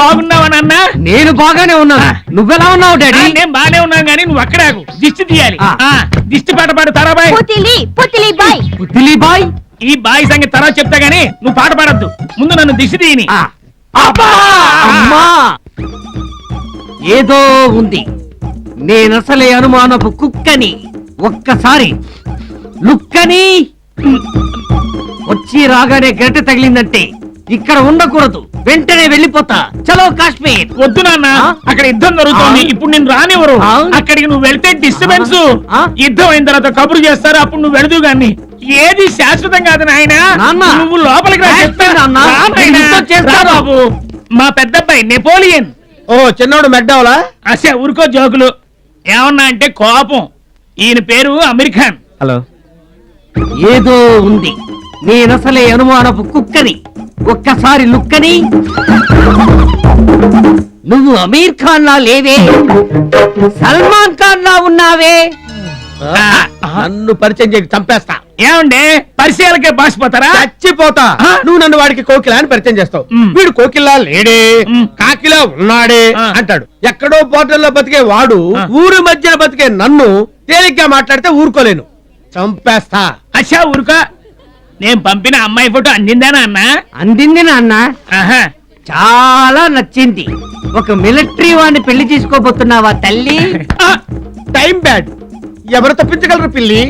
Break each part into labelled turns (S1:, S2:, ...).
S1: బాగున్నావా నాన్న?
S2: నేను బాగానే ఉన్నాను. నువ్వెలా ఉన్నావు డాడీ?
S1: నేను బాగానే ఉన్నాను గానీ నువ్వు అక్కడ ఆగు. దిష్టి తీయాలి. దిష్టి పాట పాడు తారాబాయ్.
S2: పుత్తిలి బాయ్.
S1: ఈ బాయ్ సంగతి తర్వాత చెప్తా గానీ నువ్వు పాట పాడద్దు. ముందు నన్ను దిష్టి తీయని.
S2: అమ్మా ఏదో ఉంది. నేనసలే అనుమానపు కుక్కని. ఒక్కసారి లుక్కని వచ్చి రాగానే గరిటె తగిలిందంటే ఇక్కడ ఉండకూడదు. వెంటనే వెళ్ళిపోతా. చలో కాశ్మీర్.
S1: వద్దు నాన్న, అక్కడ యుద్ధం జరుగుతోంది. ఇప్పుడు నేను రానివ్వరు. అక్కడికి నువ్వు వెళ్తే డిస్టర్బెన్స్. యుద్ధం అయిన తర్వాత కబురు చేస్తారు. అప్పుడు నువ్వు వెళదు గాని. ఏది శాశ్వతం కాదు నాయన. నువ్వు లోపలికి రా బాబు. మా పెద్దబ్బాయి నెపోలియన్.
S3: ఓ చిన్నోడు మెడ్డావులా?
S1: అసే ఊరుకో జోకులు. ఏమన్నా అంటే కోపం. ఈయన పేరు అమీర్ ఖాన్.
S3: హలో.
S2: ఏదో ఉంది. నేనసలే అనుమానపు కుక్కని. ఒక్కసారి లుక్కని. నువ్వు అమీర్ ఖాన్ లా లేవే, సల్మాన్ ఖాన్ లా ఉన్నావే.
S3: నన్ను పరిచయం చేయకు, చంపేస్తా.
S1: ఏమండే పరిచయాలకే బాసిపోతారా?
S3: చచ్చిపోతా. నువ్వు నన్ను వాడికి కోకిలా అని పరిచయం చేస్తావు. వీడు కోకిలా లేడే, కాకిలా ఉన్నాడే అంటాడు. ఎక్కడో పోర్టల్లో బతికే వాడు ఊరి మధ్యన బతికే నన్ను తేలిగ్గా మాట్లాడితే ఊరుకోలేను. చంపేస్తా.
S1: అచ్చా ఊరుకో. నేను పంపిన అమ్మాయి ఫోటో అందిందానా అన్న?
S2: అందింది నాన్న. చాలా నచ్చింది. ఒక మిలిటరీ వాడిని పెళ్లి చేసుకోబోతున్నావా తల్లి?
S3: Time bad. ఎవరు తప్పించగలరు పిల్లి?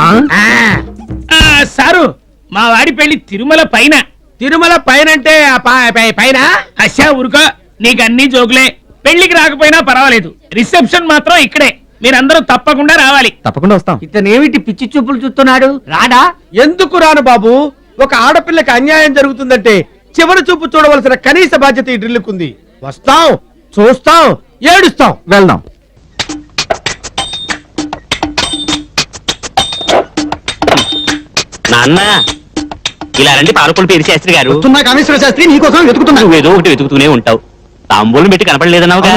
S1: సారు మా వాడి పెళ్లి తిరుమల పైన.
S3: తిరుమల పైన అంటే పైన?
S1: అచ్చా ఊరుకో. నీకు అన్ని జోకులే. పెళ్లికి రాకపోయినా పర్వాలేదు. రిసెప్షన్ మాత్రం ఇక్కడే. మీరందరూ తప్పకుండా రావాలి.
S3: తప్పకుండా వస్తాం.
S2: ఇతనేమిటి పిచ్చి చూపులు చూస్తున్నాడు? రాడా?
S3: ఎందుకు రాను బాబు? ఒక ఆడపిల్లకి అన్యాయం జరుగుతుందంటే చివరి చూపు చూడవలసిన కనీస బాధ్యత ఈ డ్రిల్లుకుంది. వస్తాం, చూస్తాం, ఏడుస్తాం. వెళ్దాం.
S4: నాన్న ఇలా రండి. పాలకొల్లు పేరు శాస్త్రి గారు.
S3: కామేశ్వర శాస్త్రి నీకోసం వెతుకుతున్నా.
S4: నువ్వు ఏదో ఒకటి వెతుకుతూనే ఉంటావు. తాంబూలం పెట్టి కనపడలేదన్నావుగా.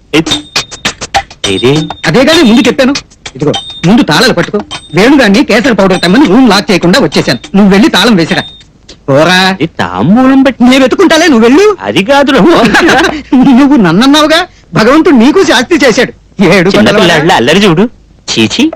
S4: ఏది?
S5: అదే కానీ ముందు చెప్పాను. ఇదిగో ముందు తాళాలు పట్టుకో. వేణుగాన్ని కేసర పౌడర్ తెమ్మని రూమ్ లాక్ చేయకుండా వచ్చేసాను. నువ్వు వెళ్ళి తాళం వేసిరా. పోరా.
S4: తాంబూలం పెట్టి
S5: నేను వెతుకుంటాలే, నువ్వు వెళ్ళు.
S4: అది కాదు.
S5: నువ్వు నన్నన్నావుగా, భగవంతుడు నీకు శాస్తి చేశాడు. ఏడు
S4: అల్లరి చూడు. చీచి.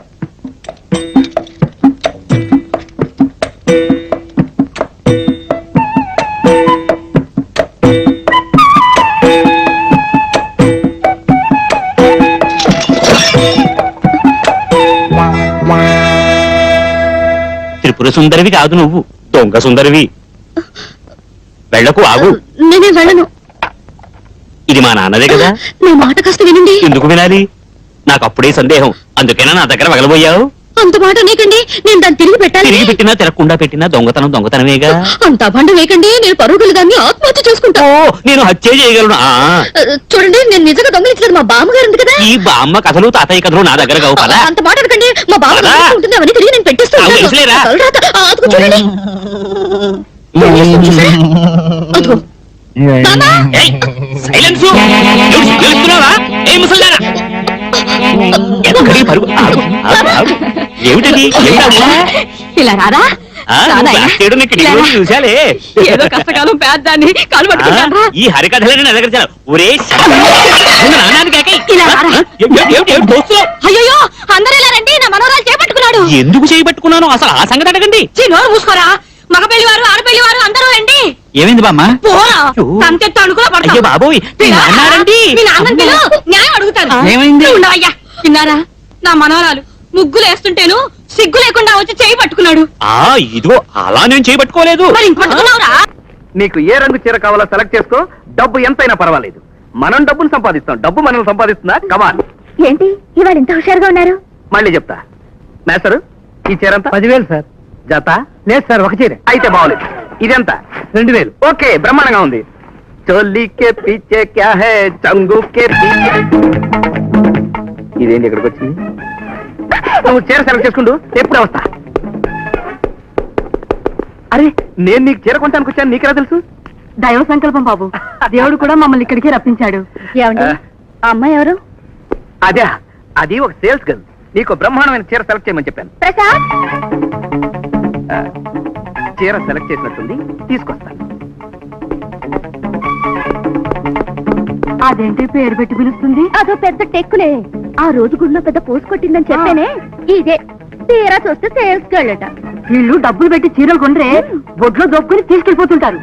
S4: త్రిపుర సుందరివి కాదు నువ్వు, దొంగ సుందరివి. వెళ్ళకు, ఆగు.
S6: నేనే వెళ్ళను.
S4: ఇది మా నాన్నదే కదా.
S6: నా మాట కాస్త వినండి.
S4: ఎందుకు వినాలి? నాకు అప్పుడే సందేహం. అందుకేనా నా దగ్గర వగలబోయావు?
S6: అంత మాట నీకండి. నేను దాన్ని తిరిగి పెట్టాలి.
S4: తిరిగి పెట్టినా తిరగకుండా పెట్టినా దొంగతనం దొంగతనమేగా.
S6: అంత అభండ వేయకండి. నేను పరుగులు దాన్ని ఆత్మహత్య చేసుకుంటా.
S4: ఓ, నేను హత్య చేయగలను.
S6: చూడండి, నేను నిజంగా దొంగలించలేదు. మా బామ్మగారు ఉంది కదా.
S4: ఈ బామ్మ కథలు తాతయ్య కథలు నా దగ్గర కావు కదా.
S6: అంత మాట అడగండి. మా బామ్మ ఉంటుంది. అవన్నీ తిరిగి నేను పెట్టేస్తాను. చూడండి.
S4: ఏమిటది?
S6: ఇలా రారా.
S4: చూసాలే.
S6: ఏదో కష్టకాలం పేద్దాన్ని కాలు పట్టుకుంటారా?
S4: ఈ హరికథలని నా దగ్గర అయ్యో,
S6: అందరూ ఇలా రండి. నా మనోరాలు చేపట్టుకున్నాడు.
S4: ఎందుకు చేయబట్టుకున్నాను అసలు ఆ సంగతి అడగండి.
S6: నోరు మూసుకోరా. మగ పెళ్లి వారు ఆడపెళ్లి వారు అందరూ రండి.
S4: ఏమైంది బామ్మ?
S6: తంతెత్తు అడుగులో
S4: అయ్యో బాబోయ్,
S6: మీ నాన్న న్యాయం అడుగుతాను.
S4: ఏమైంది?
S6: ఉండవయ్యా. విన్నారా? నా మనోరాలు ముగ్గులు వేస్తుంటేను సిగ్గు లేకుండా వచ్చి చేయి పట్టుకున్నాడు.
S4: ఇదిగో అలా నేను చేయబట్టుకోలేదు.
S6: మరి ఇంక పట్టుకున్నావురా?
S7: నీకు ఏ రంగు చీర కావాలో సెలెక్ట్ చేసుకో. డబ్బు ఎంతైనా పర్వాలేదు. మనం డబ్బులు సంపాదిస్తాం. డబ్బు మనం సంపాదిస్తుందా? కమాన్.
S6: ఏంటి ఇవాళ ఇంత హుషారుగా ఉన్నారు?
S7: మళ్ళీ చెప్తా. మేస్టర్, ఈ చీర ఎంత?
S5: 10,000 సార్.
S7: జత?
S5: లేదు సార్, ఒక చీర.
S7: అయితే బాగోలేదు. ఇదెంత?
S5: 2,000.
S7: ఓకే, బ్రహ్మాండంగా ఉంది. చోలీ కే పీచే క్యా హై, చంగు కే పీచే. ఇదేంటి ఇక్కడికి వచ్చింది? నువ్వు చీర సెలెక్ట్ చేసుకుంటూ ఎప్పుడే వస్తా. అరే, నేను నీకు చీర కొంటానికి వచ్చాను. నీకెలా తెలుసు?
S6: దైవ సంకల్పం బాబు. దేవుడు కూడా మమ్మల్ని ఇక్కడికి రప్పించాడు. అమ్మాయి ఎవరు?
S7: అదే, అది ఒక సేల్స్ గర్ల్. నీకు బ్రహ్మాండమైన చీర సెలెక్ట్ చేయమని చెప్పాను.
S6: ప్రసాద్,
S7: చీర సెలెక్ట్ చేసినట్టుంది, తీసుకొస్తాను.
S6: అదేంటి పేరు పెట్టి పిలుస్తుంది?
S8: అదో పెద్ద టెక్కులే. ఆ రోజు గుడిలో పెద్ద పోసు కొట్టిందని చెప్పానే, ఇదే. తీరా చూస్తే సేల్స్ గళ్ళట.
S6: వీళ్ళు డబ్బులు పెట్టి చీరలు కొండ్రే బొడ్లో దొక్కుని తీసుకెళ్లిపోతుంటారు.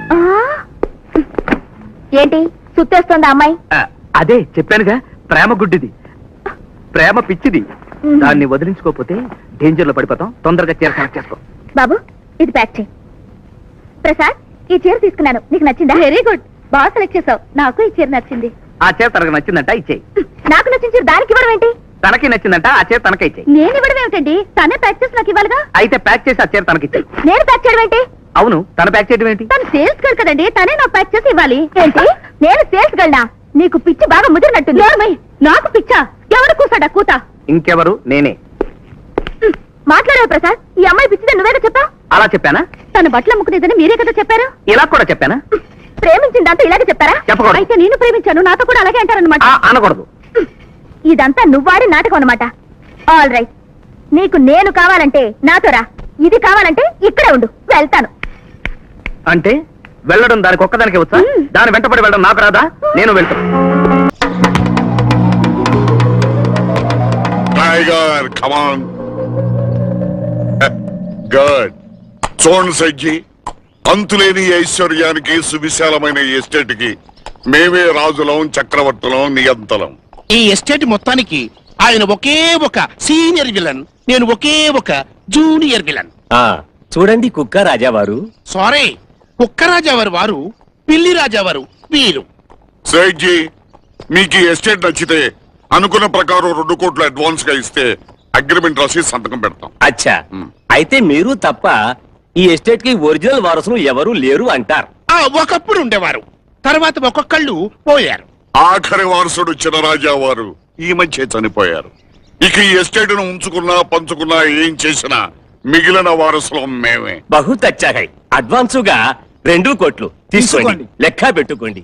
S8: ఏంటి సుత్తేస్తోంది అమ్మాయి?
S7: అదే చెప్పానుగా, ప్రేమ గుడ్డిది, ప్రేమ పిచ్చిది. దాన్ని వదిలించుకోకపోతే డేంజర్ లో పడిపోతాం. తొందరగా చీర సెలెక్ట్ చేసుకో.
S8: బాబు ఇది ప్యాక్ చేయి. ప్రసాద్ ఈ చీర తీసుకున్నాను, నీకు నచ్చిందా? వెరీ గుడ్, బాగా సెలెక్ట్ చేసావు. నాకు ఈ చీర నచ్చింది.
S7: ఆ చీర తనకు నచ్చిందంట, ఇచ్చేయి.
S8: నాకు నచ్చిన చీర దానికి ఇవ్వడం ఏంటి?
S7: తనకి నచ్చిందంట, ఆ చీర తనకే ఇచ్చేయి.
S8: నేను ఇవ్వడం ఏమిటండి? తనే ప్యాక్ చేసి నాకు ఇవ్వాలిగా.
S7: అయితే ప్యాక్ చేసి ఆ చీర తనకిచ్చేయి.
S8: నేను ప్యాక్ చేయడం ఏంటి?
S7: అవును, తన ప్యాక్ చేయడం ఏంటి?
S8: తను సేల్స్ గర్ల్ కదండి, తనే నాకు ప్యాక్ చేసి ఇవ్వాలి. ఏంటి నేను సేల్స్ గర్ల్నా? నీకు పిచ్చి బాగా ముదిరినట్టుంది. నాకు పిచ్చా? ఎవరు కూసాడా కూత?
S7: ఇంకెవరు? నేనే.
S8: మాట్లాడావు ప్రసాద్, ఈ అమ్మాయి పిచ్చిదని నువ్వేగా చెప్పావు.
S7: అలా చెప్పానా?
S8: తన బట్టలు అమ్ముకునేదని మీరే కదా చెప్పారు.
S7: ఇలా కూడా చెప్పానా?
S8: ప్రేమించిన దాంతో ఇలాగే చెప్తారా?
S7: చెప్పకూడదు.
S8: అయితే నేను ప్రేమించాను, నాతో కూడా అలాగే అంటారనమాట.
S7: అనకూడదు.
S8: ఇదంతా నువ్వాడి నాటకం అనమాట. ఆల్ రైట్, నీకు నేను కావాలంటే నాతో రా, ఇది కావాలంటే ఇక్కడే ఉండు, వెళ్తాను.
S7: అంటే వెళ్ళడం దానికి ఒక్కదానికే వచ్చా? దాని వెంటపడి వెళ్ళడం నాకు రాదా? నేను వెళ్తాను.
S9: Tiger come on. గుడ్. చూడండి సజ్జి, అంతులేని ఐశ్వర్యానికి సువిశాలమైన ఎస్టేట్ కి మేమే రాజులం, చక్రవర్తులం, నియంతలం.
S10: ఈ ఎస్టేట్ మొత్తానికి ఆయన ఒకే ఒక సీనియర్ విలన్, నేను ఒకే ఒక జూనియర్ విలన్.
S4: చూడండి కుక్క రాజావారు.
S10: సారీ, కుక్కరాజావారు వారు, పిల్లి రాజావారు వీరు.
S9: సజ్జి, మీకు ఈ ఎస్టేట్ నచ్చితే అనుకున్న ప్రకారం 2 కోట్లు అడ్వాన్స్ గా ఇస్తే అగ్రిమెంట్ రాసి సంతకం పెడతాం.
S4: అచ్చా, అయితే మీరు తప్ప ఈ ఎస్టేట్ కి ఒరిజినల్ వారసులు ఎవరు లేరు అంటారు.
S10: ఒకప్పుడు ఉండేవారు, తర్వాత ఒక్కొక్కళ్ళు పోయారు.
S9: ఆఖరి వారసుడు చినరాజా వారు ఈ మధ్య చనిపోయారు. ఇక ఈ ఎస్టేట్ ను ఉంచుకున్నా పంచుకున్నా ఏం చేసినా మిగిలిన వారసులం మేమే.
S4: బహుత్ అచ్చా హై. అడ్వాన్సుగా 2 కోట్లు తీసుకోండి, లెక్క పెట్టుకోండి.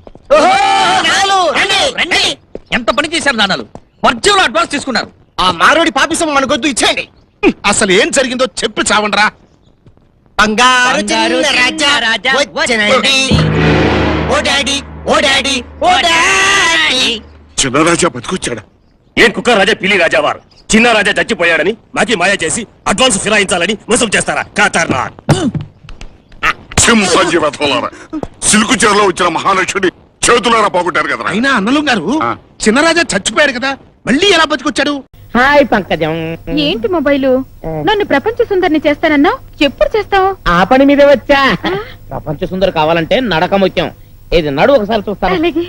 S2: ఎంత పని చేశారు నాన్నలు? వర్జంలో అడ్వాన్స్ తీసుకున్నారు.
S10: ఆ మారోడి పాపిసం మనకొద్దు, ఇచ్చేయండి. అసలు ఏం జరిగిందో చెప్పి చావండ్రా. బంగారు చిన్న రాజా వచ్చెనండి. ఓ డాడీ, ఓ డాడీ, ఓ డాడీ.
S9: చినరాజా బతికొచ్చాడా?
S4: ఏం కుక్క రాజా, పిల్లి రాజావారు చిన్న రాజా చచ్చిపోయాడని మాకి మాయ చేసి అడ్వాన్స్ ఫిరాయించాలని మోసం చేస్తారా? కాతారా
S9: సింహాజీ వెతలారా, సిల్కు చీరలో వచ్చిన మహాలక్ష్మిని చేతులారా పోగొట్టారు కదా.
S10: అయినా అన్నలు గారు, చిన్నరాజా చచ్చిపోయాడు కదా, మళ్ళీ ఎలా బతికొచ్చాడు?
S2: హాయ్ పంకజం.
S6: ఏంటి మొబైలు? నన్ను ప్రపంచ సుందరిని చేస్తానన్నావు, ఎప్పుడు చేస్తావు?
S2: ఆ పని మీదే వచ్చా. ప్రపంచ సుందరి కావాలంటే నడక ముఖ్యం. ఇది నడు ఒకసారి చూస్తాను.
S6: అలాగే.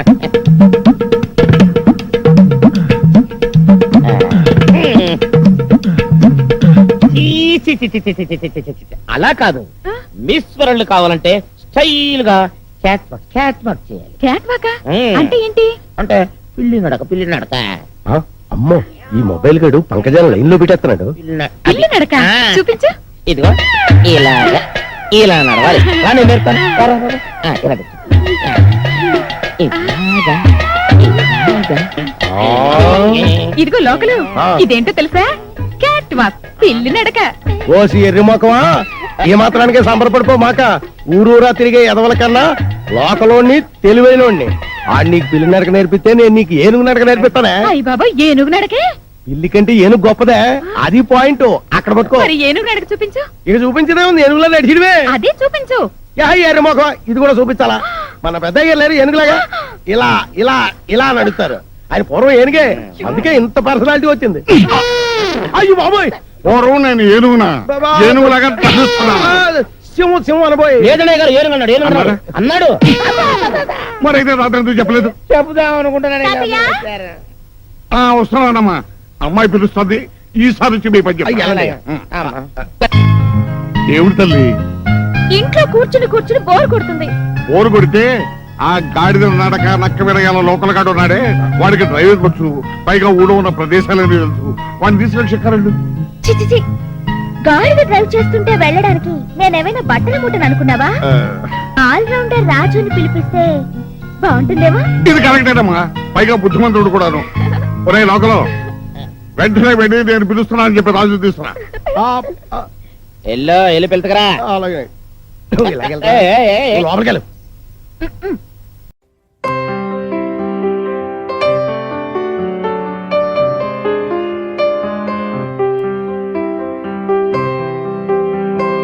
S2: అలా కాదు, మిస్ వరల్డ్ కావాలంటే స్టైల్ గా క్యాట్ వాక్ చేయాలి.
S6: క్యాట్ వాకా? అంటే ఏంటి?
S2: అంటే పిల్లి నడక.
S3: అమ్మో, ఈ మొబైల్ గడు పంకజాల లైన్ లో పెట్టేస్తున్నాడు.
S6: పిల్లి నడక చూపించు.
S2: ఇదిగో ఇలా నడవాలి. నేను నేర్పుతాను. ఇలా పెట్టు.
S6: ఇదిగో లోకలు, ఇదేంటో తెలుసా? క్యాట్ వాక్, పిల్లి నడక.
S3: ఓసి ఎర్రి మొక్కమా, ఏ మాత్రానికే సంబరపడిపో మాక. ఊరూరా తిరిగే ఎదవల కన్నా లోకలోని తెలివైనోడిని. ఆడు నీకు పిల్లి నడక నేర్పిస్తే నేను నీకు ఏనుగు నడక నేర్పిస్తానే.
S6: అయ్య బాబా, ఏనుగు నడకే?
S3: పిల్లి కంటే ఏనుగు గొప్పదే, అది పాయింట్. అక్కడ పట్టుకో.
S6: మరి ఏనుగు నడక చూపించు.
S3: ఇక చూపించదే ఉంది, ఏనుగులా నడిచిడివే.
S6: అదే చూపించు.
S3: ఎర్రి మొక్క, ఇది కూడా చూపించాలా? మన పెద్దయ్య లేరు ఏనుగులాగా ఇలా ఇలా ఇలా నడుస్తారు. ఆయన పూర్వం ఏనుగే, అందుకే ఇంత పర్సనాలిటీ వచ్చింది. అయ్యో బాబోయ్,
S9: పూర్వం నేను ఏనుగునా? ఏనుగులాగా
S3: సింహం అనబోయి.
S2: ఏదనే గారు ఏనుగు అన్నాడు.
S9: మరైతే రాత్రి ఎందుకు చెప్పలేదు?
S2: చెబుదాం అనుకుంటున్నాను.
S9: వస్తున్నానమ్మా, అమ్మాయి పిలుస్తుంది. ఈసారి వచ్చి మీ పని చెప్పండి. ఏమిటి తల్లి?
S8: ఇంట్లో కూర్చుని బోర్ కొడుతుంది.
S9: బోరు కొడితే ఆ గాడిద నడక నక్క విరగాల లోకల్ గాడు ఉన్నాడే, వాడికి డ్రైవర్ వచ్చు, పైగా ఊళ్ళో ఉన్న ప్రదేశాలని తెలుసు. వాడిని తీసుకెళ్ళి చెక్కారండి.
S8: చిచి, గాడిద డ్రైవ్ చేస్తుంటే వెళ్ళడానికి నేనేమైనా బట్టల మూటను అనుకున్నావా? ఆల్ రౌండర్ రాజుని పిలిపిస్తే బాగుంటుందేమో.
S9: ఇది కరెక్టేనమ్మా, పైగా బుద్ధిమంతుడు కూడాను. ఒరే లోకలో, వెంటనే వెళ్ళి నేను పిలుస్తున్నా అని చెప్పి రాజు తీసుకురా.
S2: వెళ్ళి పిలుతుకరా.
S3: అలాగే లోపలికి వెళ్ళు.